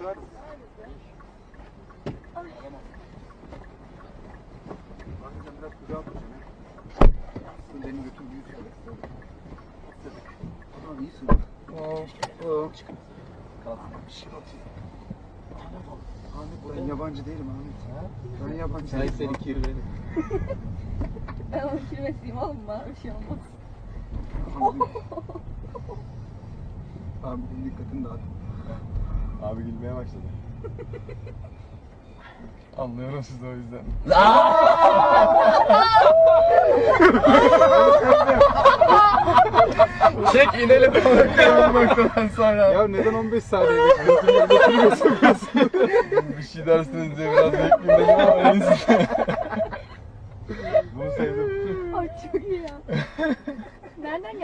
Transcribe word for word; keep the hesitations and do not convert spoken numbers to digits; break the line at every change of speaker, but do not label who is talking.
Sığar mı? Tamam. Bakacağım biraz kucağa oturacağım ya. Benim götüm büyük şöyle. Tamam iyisin. Oo. Oo. Kalk. Bir şey yok. Ahmet ben yabancı değilim Ahmet. Ha? Ben yabancı değilim.
Sen seni kirveli.
Ben onu kirmetliyim oğlum, bana bir şey olmaz.
Abi benim dikkatimi dağıt.
Abi gülmeye başladı. Anlıyorum sizi o yüzden. Çek inelim bu noktadan sonra.
Ya neden on beş saniye bekliyorsun?
Bir şey dersiniz diye biraz bekleyeyim dedim ama en iyisi. Bunu sevdim.
Ay çok iyi ya. Nereden